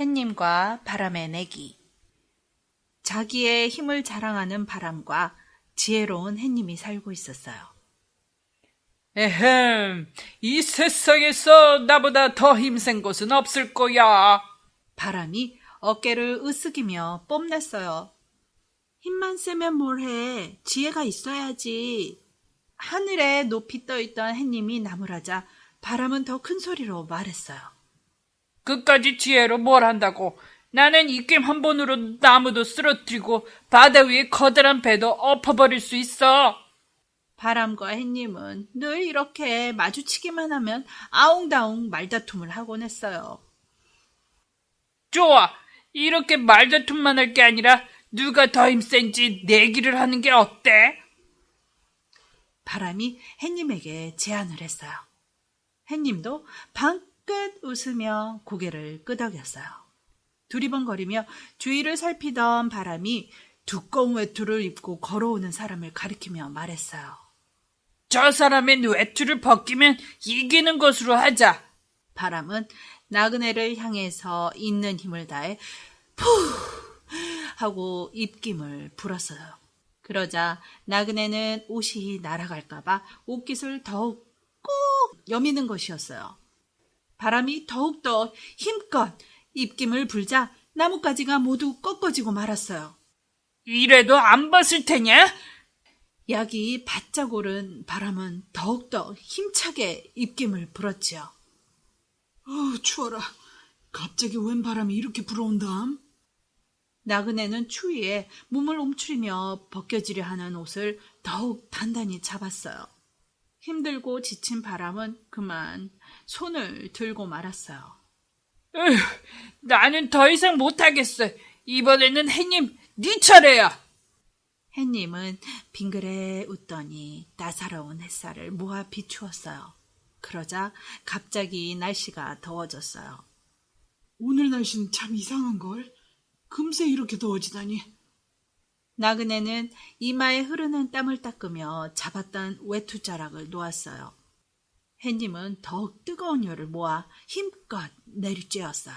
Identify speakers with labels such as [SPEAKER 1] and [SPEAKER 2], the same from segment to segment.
[SPEAKER 1] 햇님과 바람의 내기. 자기의 힘을 자랑하는 바람과 지혜로운 햇님이 살고 있었어요.
[SPEAKER 2] 에헴, 이 세상에서 나보다 더 힘센 곳은 없을 거야.
[SPEAKER 1] 바람이 어깨를 으쓱이며 뽐냈어요. 힘만 세면 뭘 해. 지혜가 있어야지. 하늘에 높이 떠있던 햇님이 나무라자 바람은 더 큰 소리로 말했어요.
[SPEAKER 2] 그까지 지혜로 뭘 한다고. 나는 입김 한 번으로 나무도 쓰러뜨리고 바다 위에 커다란 배도 엎어버릴 수 있어.
[SPEAKER 1] 바람과 햇님은 늘 이렇게 마주치기만 하면 아웅다웅 말다툼을 하곤 했어요.
[SPEAKER 2] 좋아. 이렇게 말다툼만 할 게 아니라 누가 더 힘센지 내기를 하는 게 어때?
[SPEAKER 1] 바람이 햇님에게 제안을 했어요. 햇님도 방긋 웃으며 고개를 끄덕였어요. 두리번거리며 주위를 살피던 바람이 두꺼운 외투를 입고 걸어오는 사람을 가리키며 말했어요.
[SPEAKER 2] 저 사람의 외투를 벗기면 이기는 것으로 하자.
[SPEAKER 1] 바람은 나그네를 향해서 있는 힘을 다해 푸 하고 입김을 불었어요. 그러자 나그네는 옷이 날아갈까봐 옷깃을 더욱 꾹 여미는 것이었어요. 바람이 더욱더 힘껏 입김을 불자 나뭇가지가 모두 꺾어지고 말았어요.
[SPEAKER 2] 이래도 안 벗을 테냐?
[SPEAKER 1] 약이 바짝 오른 바람은 더욱더 힘차게 입김을 불었지요.
[SPEAKER 3] 추워라. 갑자기 웬 바람이 이렇게 불어온담?
[SPEAKER 1] 나그네는 추위에 몸을 움츠리며 벗겨지려 하는 옷을 더욱 단단히 잡았어요. 힘들고 지친 바람은 그만 손을 들고 말았어요.
[SPEAKER 2] 으휴, 나는 더 이상 못하겠어. 이번에는 햇님, 네 차례야.
[SPEAKER 1] 햇님은 빙그레 웃더니 따사로운 햇살을 모아 비추었어요. 그러자 갑자기 날씨가 더워졌어요.
[SPEAKER 3] 오늘 날씨는 참 이상한걸. 금세 이렇게 더워지다니.
[SPEAKER 1] 나그네는 이마에 흐르는 땀을 닦으며 잡았던 외투자락을 놓았어요. 햇님은 더욱 뜨거운 열을 모아 힘껏 내리쬐었어요.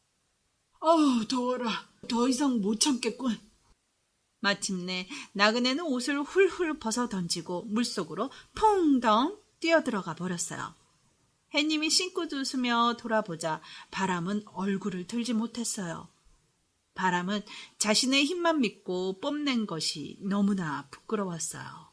[SPEAKER 3] 더워라. 더 이상 못 참겠군.
[SPEAKER 1] 마침내 나그네는 옷을 훌훌 벗어 던지고 물속으로 퐁덩 뛰어들어가 버렸어요. 햇님이 싱긋 웃으며 돌아보자 바람은 얼굴을 들지 못했어요. 바람은 자신의 힘만 믿고 뽐낸 것이 너무나 부끄러웠어요.